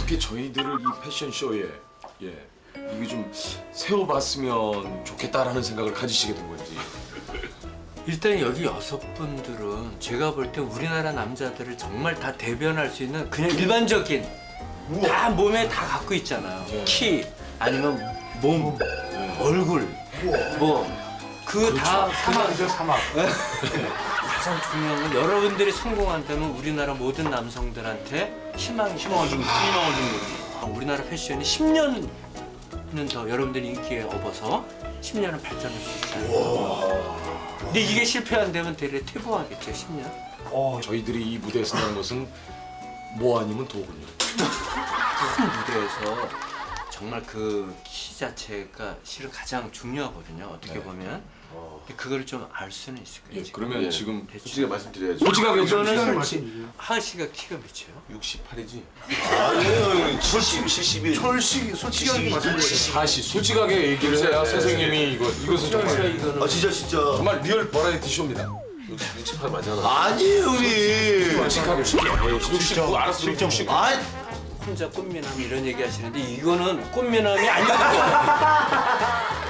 어떻게 저희들을 이 패션쇼에 이게 좀 세워봤으면 좋겠다라는 생각을 가지시게 된 건지. 일단 여기 6분들은 제가 볼 때 우리나라 남자들을 정말 다 대변할 수 있는 그냥 일반적인 다 몸에 다 갖고 있잖아요. 네. 키 아니면 몸, 얼굴 뭐 그 다 사막이죠, 사막. 가장 중요한 건 여러분들이 성공한다면 우리나라 모든 남성들한테 희망을 준 거지. 우리나라 패션이 10년은 더 여러분들이 인기에 업어서 10년은 발전할 수 있잖아요. 근데 이게 실패 안 되면 대래 퇴보하겠죠, 10년. 저희들이 이 무대에 서는 것은 뭐 아니면 도군요. 큰 무대에서 정말 그 키 자체가 실은 가장 중요하거든요, 어떻게 보면. 근데 그걸 좀 알 수는 있을 거예요. 지금. 그러면 지금 솔직히 말씀드려야죠. 솔직하게 이거는 말씀이죠. 하하 씨가 키가 몇이에요? 68이지. 아니에요, 70이. 솔직히 말씀드려요. 다시 솔직하게 얘기를 해야 선생님이 이것은 정말 이거는 아 진짜. 정말 리얼 버라이티 쇼입니다. 68 맞잖아. 아니에요, 형님. 솔직하게 69 알았어. 69. 아, 혼자 꽃미남 이런 얘기 하시는데 이거는 꽃미남이 아니거든요.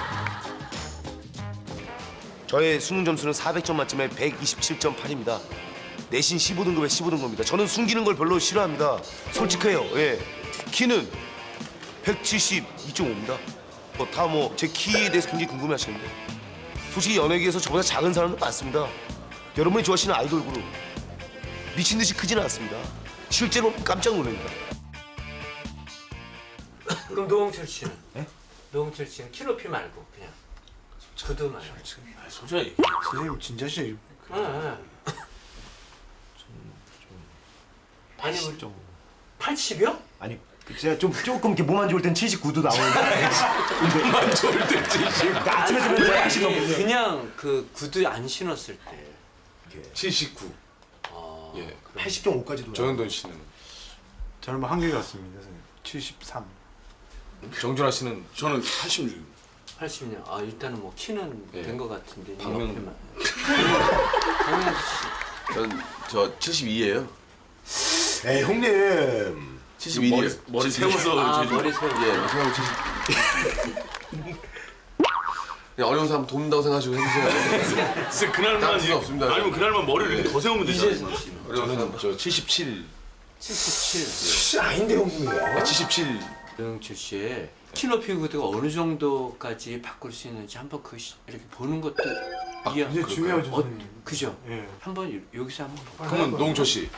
저의 수능 점수는 400점 만점에 127.8입니다. 내신 15등급에 15등급입니다. 저는 숨기는 걸 별로 싫어합니다. 솔직해요. 예. 키는 172.5입니다. 다 제 키에 대해서 굉장히 궁금해하시는데 솔직히 연예계에서 저보다 작은 사람도 많습니다. 여러분이 좋아하시는 아이돌 그룹 미친 듯이 크지는 않습니다. 실제로 깜짝 놀랍니다. 그럼 노홍철 씨는? 노홍철 씨는 키 높이 말고 그냥 저도 말고. 솔직히. 선생님 진짜시 아니 우리 80이요? 아니 제가 조금 이렇게 몸 안 좋을 땐 79도 나오는데 안 좋을 때 70. 아침에 되면 제가 아니, 하시거든요. 그냥 그 구두 안 신었을 때 79. 아, 예. 80.5까지도 정현돈 씨는 저는 뭐 한결 같습니다, 선생님. 73. 정준하 씨는 저는 86. 80년. 아 일단은 뭐 키는 예. 된 것 같은데. 박명- 박명수 씨. 저 72예요. 에이 형님. 71이요. 머리 세워서 아 머리 세우. 예, 생각하고 70. 그냥 어려운 사람 돕는다고 생각하시고 해주세요. 진짜 딴 그날만 뜻은 없습니다. 아니면 그날만 머리를 이렇게 더 세우면 되잖아요. 이재성 씨는 어려운 사람. 저 77. 77. 아닌데 형님이야. 77. 노홍철 씨의 키 높이 구두가 어느 정도까지 바꿀 수 있는지 한번 이렇게 보는 것도 이해. 이제 중요하죠, 선생님. 그죠? 예. 한번 여기서 한번 볼까요? 그러면 노홍철 씨.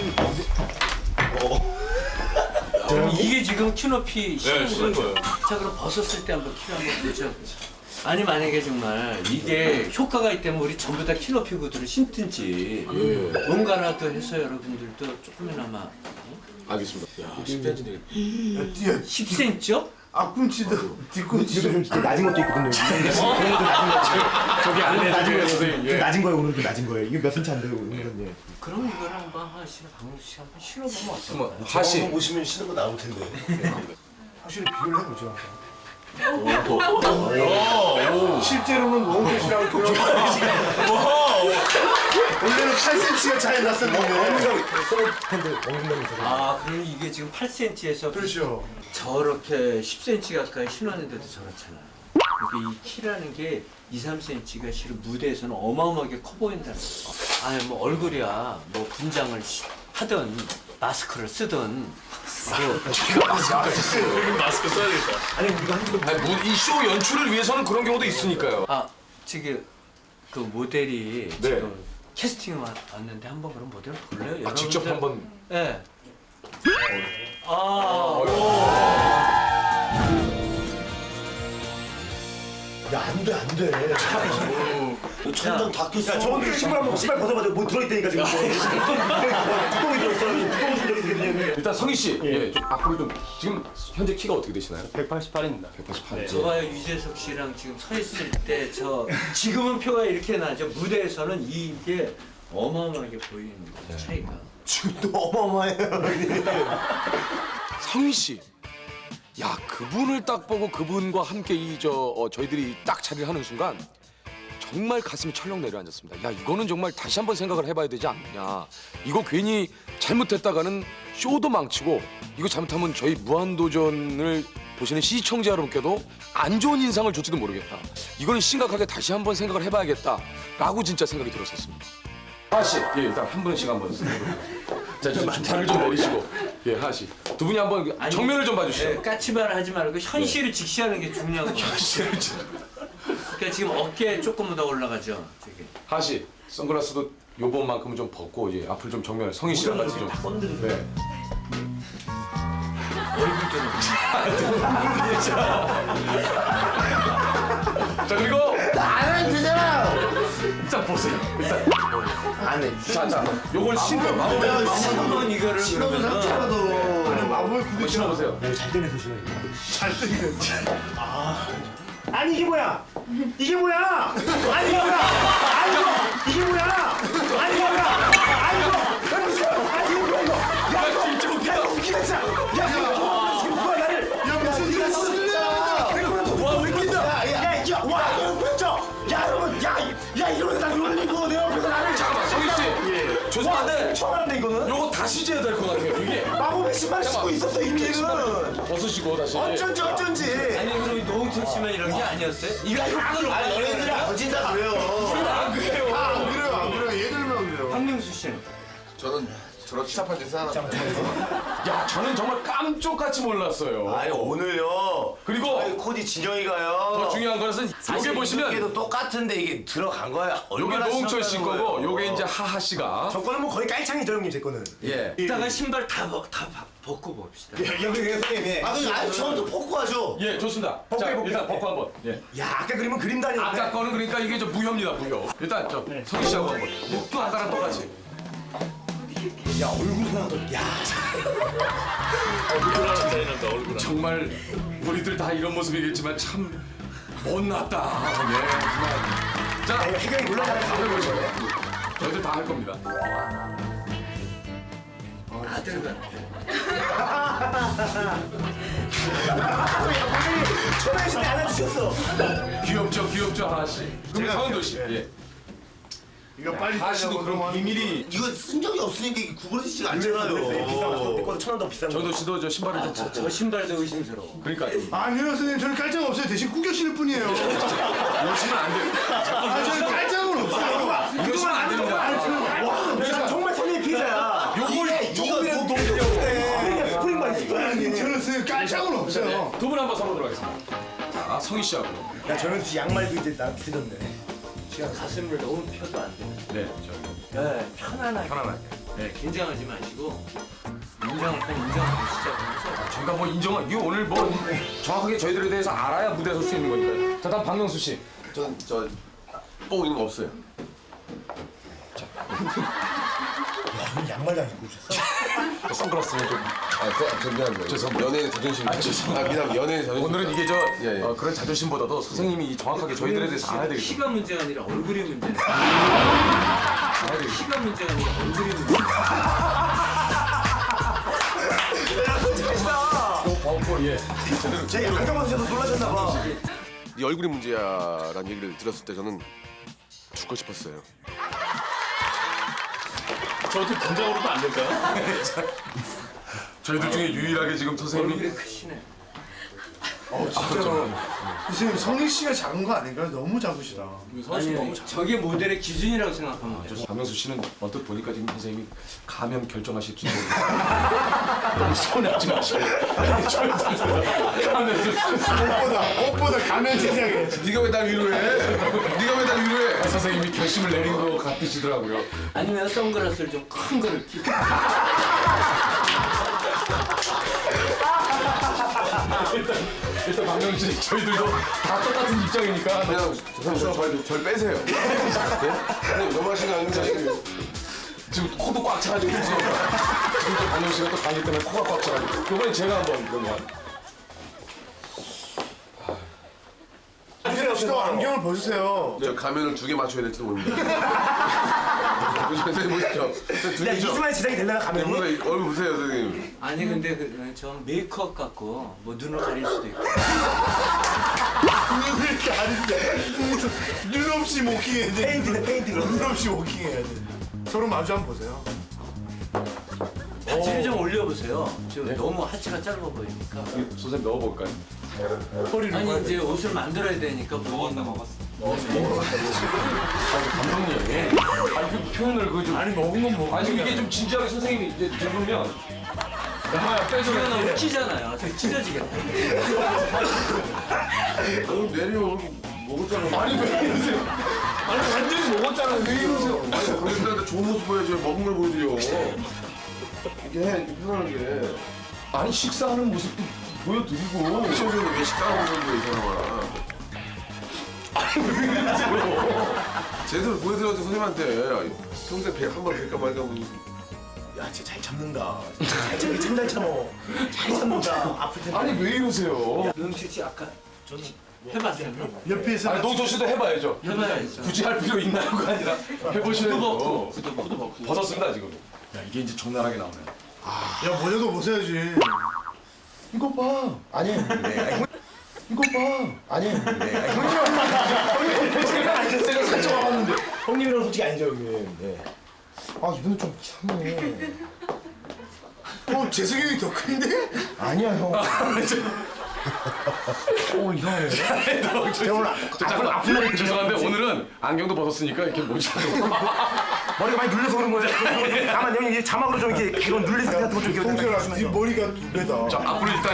이게 지금 키 높이 네, 신은 거예요. 자 그럼 벗었을 때 한번 키 한번 보죠. 아니 만약에 정말 이게 효과가 있다면 우리 전부 다 키 높이 구두를 신든지 뭔가라도 해서 여러분들도 조금이나마 알겠습니다. 야, 10cm 되겠다. 10cm요? 앞꿈치도 뒤꿈치도 좀 낮은 것도 있거든요. 저기 안에 낮은 거예요. 선생님, 예. 좀 낮은 거예요. 오늘도 낮은 거예요. 이게 몇 센치 안 돼요. 오늘은 예. 그럼 이걸 한번 하시는 박명수 씨 한번 실어보면 어떨까요? 한번 하시. 보시면 쉬는 거 나올 텐데. 확실히 비교를 해보죠. 실제로는 노홍철 씨랑 원래는 8cm가 차이 났었는데. 아 그럼 이게 지금 8cm에서 그렇죠. 저렇게 10cm 가까이 신었는데도 저렇잖아요. 그러니까 이 키라는 게 2, 3cm가 실은 무대에서는 어마어마하게 커 보인다는 거예요. 아니 뭐 얼굴이야 뭐 분장을 하든 마스크를 쓰든 마스크 써야겠다. 아니, 이 쇼 연출을 위해서는 그런 경우도 있으니까요. 아 지금 그 모델이 네. 지금 캐스팅 왔는데 한번 그럼 모델 볼래요? 아, 직접 여러분들- 한번. 네. 야, 안 돼, 안 돼. 천장 다 꼈어. 야, 저분들 신발 벗어봐도 뭐 들어있다니까 지금. 뚜껑이 들어있어. 뚜껑이 들어있거든요. 일단 성희 씨, 예, 좀 앞으로 좀 지금 현재 키가 어떻게 되시나요? 188입니다. 188. 저봐요 유재석 씨랑 지금 서 있을 때 저 지금은 표가 이렇게 나죠. 무대에서는 이게 어마어마하게 보이는 거예요, 차이가. 지금도 어마어마해요. 성희 씨. 야, 그분을 딱 보고 그분과 함께 저희들이 딱 자리를 하는 순간 정말 가슴이 철렁 내려앉았습니다. 야, 이거는 정말 다시 한번 생각을 해봐야 되지 않느냐. 이거 괜히 잘못했다가는 쇼도 망치고 이거 잘못하면 저희 무한도전을 보시는 시청자 여러분께도 안 좋은 인상을 줄지도 모르겠다. 이거는 심각하게 다시 한번 생각을 해봐야겠다라고 진짜 생각이 들었었습니다. 하하 씨, 예, 일단 한 분씩 한번. 자, 좀 말을 좀 내리시고, 예, 하하 씨, 두 분이 한번 정면을 좀 봐주시죠. 네, 까치발 하지 말고 현실을 직시하는 게 중요한 거 같아요. 그러니까 지금 어깨 조금 더 올라가죠. 저기. 하하 씨, 선글라스도 요번만큼은 좀 벗고 이제 앞을 좀 정면에 성희 씨랑 같이 좀. 네. 자 그리고 안 해도 되잖아. 일단 보세요. 일단 안 해. 자, 요걸 신고 한번 이거를 신어도 그러면은 상처라도. 마법의 한번 신어보세요. 잘 떼내서 신어야 아니 이게 뭐야? 이게 뭐야? 아니 이게 뭐야? 아이고 이게 뭐야? 아니 이게 뭐야? 아이고 아니 이게 뭐야 이거? 야 진짜 웃기다. 야 웃기다 진짜. 야 지금 누가 나를? 야 무슨 네가 진짜? 와 웃긴다. 야 이거 와 이거 진짜. 야 여러분 야 이러면 나 놀리고 내 옆에서 나를. 잠깐만 성희 씨. 죄송한데 처음 하는데 이거는? 요거 다시 재야 될 것 같아요. 이게 마법의 신발 신고 있었어 이미는. 벗으시고 다시. 어쩐지. 아니 그럼 이 노홍철 씨만 이런 게 아니었어요? 이거 아니 연예인들이 거진다 그래요. 안 그래요. 안 그래요. 얘들만 그래요. 황명수 씨는 저는 저런 치사한 짓을 하나. 야 저는 정말 깜짝같이 몰랐어요. 아니 오늘요. 그리고 아니 코디 진영이가요. 더 중요한 것은 요게 보시면 도 똑같은데 이게 들어간 거야. 요게 얼마나 노홍철 씨 신었다는 거고 거예요. 요게 이제 하하 씨가. 저 거는 뭐 거의 깔창이죠 형님 제 거는. 예. 이따가 신발 다 벗고 봅시다. 여기 선생님. 아 근데 아니 처음부터 벗고 하죠. 예, 좋습니다. 자, 해볼게요. 일단 벗고 한번. 예. 야 아까 그림은 그림 다니는데. 아까 거는 그러니까 이게 저 무효입니다, 무효. 일단 저 성희 씨하고 한번. 또 아까랑 똑같이. 야 얼굴 하나도. 야. 정말 우리들 다 이런 모습이겠지만 참 못났다. 예, 정말. 자, 해경이 올라가는 다 해보죠. 저희들 다 할 겁니다. 아들 초등학생 때 안아주셨어. 귀엽죠, 귀엽죠, 하하 씨. 그럼 서은도 씨. 예. 이거 빨리. 하하 씨도 그럼 비밀이. 이거 쓴 적이 없으니까 이게 구부러지지가 않잖아요. 내 거는 1,000원 더 비싼 거. 정도 씨도 저 신발을 좀 벗고. 저 신발도 의심스러워. 그러니까 아니요 선생님 저는 깔짱 없어요. 대신 구겨 신을 뿐이에요. 이러시면 안 돼요. 아 저는 깔짱은 없어요. 이러시면 안 됩니다. 와, 나 정말 선생님 피해자야. 요거는 또 스프링만 있을 거야. 아니 저는 선생님 깔짱은 없어요. 두 분 한번 서보도록 하겠습니다. 자, 성희 씨하고. 야, 저는 양말도 이제 나 비슷해졌네. 가슴을 너무 펴도 안 돼요. 네, 저 네, 편안하게. 편안하게. 네, 긴장하지 마시고 인정하고 시작하면서 저희가 뭐 인정한 이거 오늘 뭐 정확하게 저희들에 대해서 알아야 무대에 설 수 있는 거니까요. 자, 다음 박명수 씨. 저는 뽕 있는 거 없어요. 양말도 안 입고 오셨어? 선글라스는 좀. 저 미안합니다. 죄송합니다. 연예인 자존심. 미안. 연예인 자존심. 오늘은 이게 저 예, 예. 그런 자존심보다도 선생님이 정확하게 저희들에 대해서 알아야 되겠죠. 키가 문제가 아니라 얼굴이 문제네. 알아야 되겠죠. 키가 문제가 아니라 얼굴이 문제. 벗고 예. 제대로. 제 안경만 쓰셔서 놀라셨나 봐. 네 얼굴이 문제야라는 얘기를 들었을 때 저는 죽고 싶었어요. 저한테 당장으로도 안 될까요? 저희들 중에 유일하게 지금 선생님이 얼굴이 크시네. 진짜로. 선생님 성희 씨가 작은 거 아닌가요? 너무 작으시다. 아니, 저게 모델의 기준이라고 생각하면 돼요. 박명수 씨는 언뜻 보니까 지금 선생님이 가면 결정하실지 모르겠어요. 너무 서운해하지 마시고. 옷보다 가면 세상에. 네가 왜 날 위로해? 네가 왜 날 위로해? 선생님이 결심을 내린 것 같으시더라고요. 아니면 선글라스를 좀 큰 거를 끼고. 일단 박명수 씨 저희들도 다 똑같은 입장이니까 그냥 절 빼세요. 네? 너무 하신 거 아닙니까? 지금 코도 꽉 차가지고 지금 또 박명수 씨가 또 가기 때문에 코가 꽉 차가지고 이번엔 제가 한번 그러면 또 안경을 벗으세요. 저 가면을 2개 맞춰야 될지도 모릅니다. 선생님 보시죠. 두 야, 개죠? 2주 만에 제작이 되려나 가면이? 얼굴 보세요, 선생님. 아니 근데 저 메이크업 갖고 뭐 눈을 가릴 수도 있고. 눈을 가리는데 눈 없이 워킹해야 돼. 페인트네, 페인트. 눈 없이 워킹해야 돼. 서로 마주 한번 보세요. 바지를 좀 올려보세요. 지금 너무 하체가 짧아 보이니까. 선생님 넣어볼까요? 아니 이제 옷을 만들어야 되니까 먹었어. 감독님. 아니 그 표현을 그 좀. 아니 먹은 건 먹은. 아니 지금 이게 좀 진지하게 선생님이 이제 들으면. 엄마야 빼서 튀어나오면 찢잖아요. 저 찢어지겠다. 너 내려 먹었잖아. 아니 왜 이러세요? 아니 완전히 먹었잖아요. 왜 이러세요? 아니 그런데 좋은 모습 보여줘요. 먹은 걸 보여드려. 이게 이렇게 편안하게. 아니 식사하는 모습도 보여드리고. 시청자들 왜 식사하고 있는데 이 사람아. 아니 왜 이러세요? 제대로 보여드려야지 선생님한테. 평소에 한번 뵐까 말까 뭐. 야, 진짜 잘 참는다. 참잘 참어. 잘 참는다. 아플 텐데. 아니 왜 이러세요? 명실 씨 아까 해봤어요? 옆에서 아니 노조 씨도 해봐야죠. 해봐야죠. 굳이 할 필요 있나요가 아니라 해보셔야죠. 후드 벗고. 벗었습니다 지금. 야 이게 이제 적나라하게 나오네. 야 모자도 벗어야지. 이거 봐. 아니 이거 봐. 아니 제가 살짝 와봤는데. 형님이랑 솔직히 아니죠 형님. 네. 아 이분은 좀 참네. 재석이 형이 더 큰데? 아니야 형. 오늘 이상해. 앞으로 아프면 죄송한데 오늘은 안경도 벗었으니까 이렇게 모자도. 머리가 많이 눌려서 그런 거예요. 다만 형님 이제 자막으로 좀 이렇게 이런 눌린 상태 같은 거좀 홍철아, 네 머리가 2배다. 자 앞으로 일단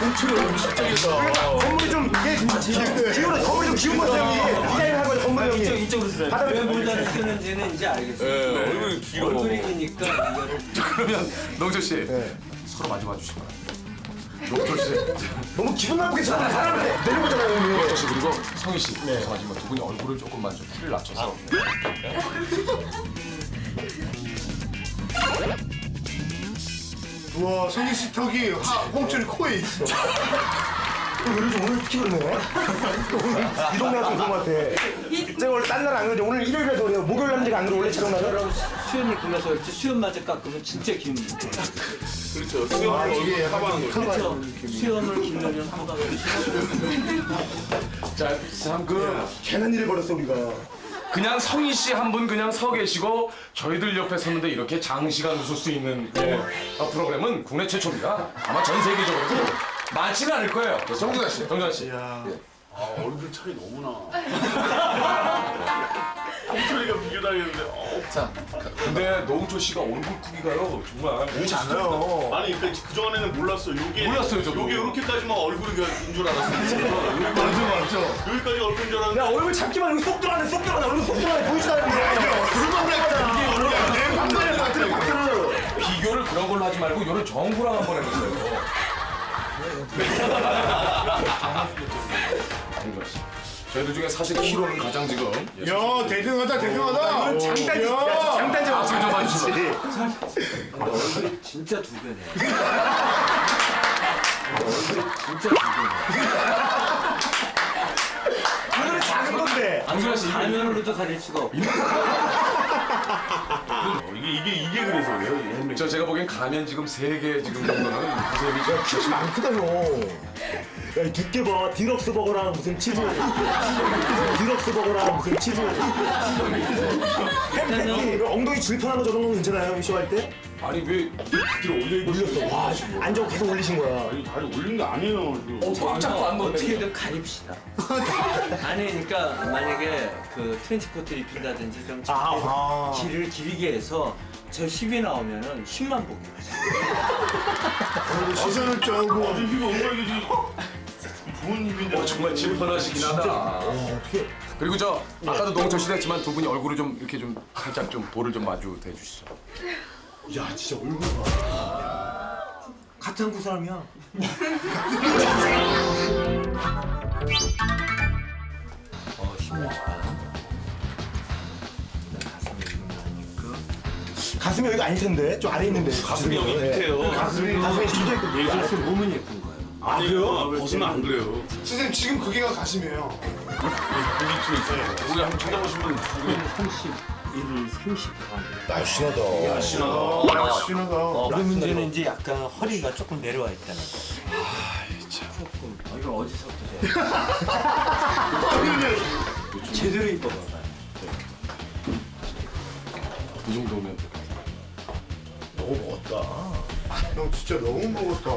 저 건물이 좀 기울어 건물이 좀 기운 것 같아요 형님. 디자인을 한 거예요 건물이 형님. 이쪽으로 쓰래. 왜 모자를 쓰는지는 이제 알겠어요. 얼굴이 길어. 얼굴이니까 이거를 그러면 농철 씨 서로 마주 봐주시고. 농철 씨, 너무 기분 나쁘게 사람을 내려보잖아요 형님. 농철 씨 그리고 성희 씨. 죄송하지만 두 분이 얼굴을 조금만 좀 키를 낮춰서. 우와, 성희 씨 턱이 홍철이 코에 있어. 오늘 특히 그러네. 이 동네가 좀 그런 것 같아. 제가 원래 딴 날 안 그러죠. 오늘 일요일에서 그래요. 목요일 남자가 안 그래. 원래 촬영 날은. 수염을 길러서 그렇지 수염마저 깎으면 진짜 긴. 그렇죠. 수영을 이게 하반을. 그렇죠. 수염을 길러면 한방울. 자참 그. 괜한 일을 벌였어 우리가. 그냥 성희 씨 한 분 그냥 서 계시고 저희들 옆에 섰는데 이렇게 장시간 웃을 수 있는 프로그램은 국내 최초입니다. 아마 전 세계적으로도 많지는 않을 거예요. 정준하 씨. 정준하 씨. 얼굴 차이 너무나. 홍철이가 비교당했는데. 자, 근데 노홍철 씨가 얼굴 크기가요 정말 그렇지 않아요. 아니 그러니까 그 전에는 몰랐어. 요게 몰랐어요, 저도. 요게 이렇게까지만 얼굴인 줄 알았어요. 맞아. 여기까지 얼굴인 줄 알았는데. 야 얼굴 잡기만 여기 쏙 들어가네 쏙 들어가네 얼굴 쏙 들어가네 보이지도 않는데. 비교를 그런 걸로 하지 말고 요런 정구랑 한번 해보세요. 정준하 씨. 저희들 중에 사실 키로는 가장 지금 야, 대등하다, 대등하다. 장단지. 야, 장단지 앞을 좀 봐주시면. 얼굴이 진짜 두 배네. 얼굴이 진짜 두 배네. 오늘은 작은 건데. 정준하 씨 가면으로도 가릴 수가 없고. 이게 그래서 왜요? 제가 보기엔 가면 지금 3개 지금 정도는 무슨 좀 키가 많이 크다 형. 야, 이 두께 봐. 디럭스 버거랑 무슨 치즈. 디럭스 버거랑 무슨 치즈. 햄 엉덩이 질펀한 거 저런 건 괜찮아요? 쇼할 때? 아니 왜 뒤로 올려 올렸어. 와, 안 저거 계속 올리신 거야. 다리 올린 거 아니에요. 자꾸 안 넣네. 어떻게든 가립시다. 아니니까 만약에 그 트렌치코트 입힌다든지 좀 아하. 길을 길게 해서 저 10이 나오면은 10만 보기. 시선을 쪼고. 이거 엉덩이 좋은 힘인데. 정말 질펀하시긴 하다. 어떻게. 그리고 저 아까도 노홍철 씨도 했지만 두 분이 얼굴을 좀 이렇게 좀 살짝 좀 볼을 좀 마주 대주시죠. 야, 진짜 얼굴 봐. 같은 한국 사람이야. 힘을 줘. 가슴이 여기가 아닐 텐데. 좀 아래 있는데. 가슴이 여기 밑에요. 가슴이 진짜 있거든요. 예술스 몸은 예쁜 거예요. 아니요. 벗으면 안 그래요. 선생님, 지금 그게가 가슴이에요. 우리 한번 찾아보시면 31, 30. 날씬하다. 야, 신하다. 그 문제는 이제 약간 허리가 조금 내려와 있다는 거. 조금. 이걸 어디서 보세요? 제대로 입어봐봐요. 이 정도면 너무 멋다. 형 진짜 너무 먹었다.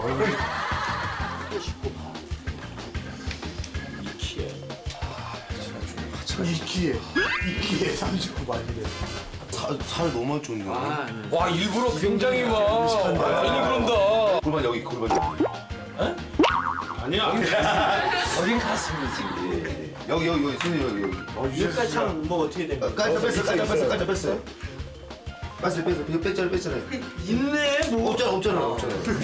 이키에 39만이래. 살 너무 많이 쪘네. 와 일부러 굉장히 막 많이 그런다. 골반 여기, 골반 여기. 아니야. 거긴 가슴이지. 여기, 손이 여기. 여기까지 참뭐 어떻게 된 거야? 깔짝 뺐어. 이거 뺐잖아요. 있네 뭐. 없잖아.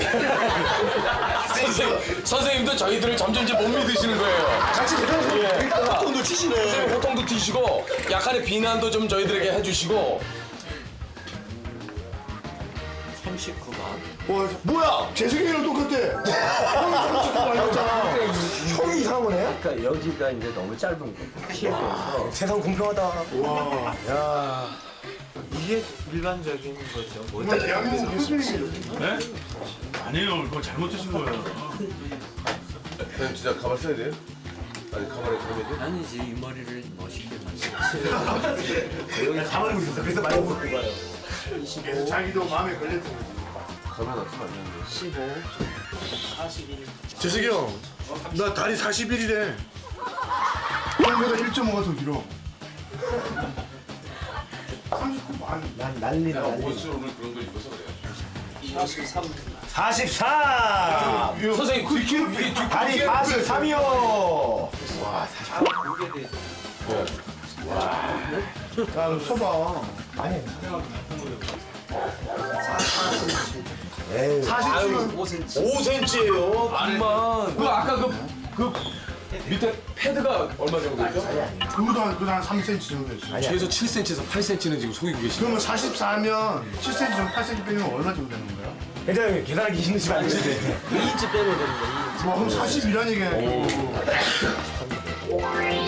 선생님도 저희들을 점점 이제 못 믿으시는 거예요. 같이 대단하시네. 호통도 치시네. 선생님 호통도 튀시고 약간의 비난도 좀 저희들에게 해주시고. 39만. 와, 뭐야? 재승이랑 똑같아. 형이 39만이었잖아. 형이 이상한 거네? 그러니까 여기가 이제 너무 짧은 거. 피해서 세상 공평하다. 와. 이게 일반적인 거죠. 뭐 정말 대한민국 교수님. 네? 아니에요. 그거 잘못 드신 거예요. 형님 진짜 가발 써야 돼요? 아니 가발에 가면이? 아니지 이 머리를 멋있게 만들지. 가만히 있었어. 그래서 많이 먹고 가요. 그래서 자기도 마음에 걸렸던 거지. 가발 안 쓰면 안 되는데. 15, 재승이 형, 나 다리 41이래. 형보다 1.5가 더 길어. 39만. 내가 옷을 오늘 그런 걸 입어서 그래요. 44! 선생님 그 이게 다리 43이요! 야, 서봐. 40은 5cm예요. 아니만 그 아까 그 밑에 패드가 얼마 정도죠? 그거도 한 3cm 정도 됐어. 최소 7cm에서 8cm는 지금 속이고 계시네요. 그러면 44면 7cm 정 8cm 빼면 얼마 정도 되는 거야? 회장님, 계산하기 힘드시면 안 되는데. 2인치 빼면 되는 거야. 와, 그럼 41이란 얘기야.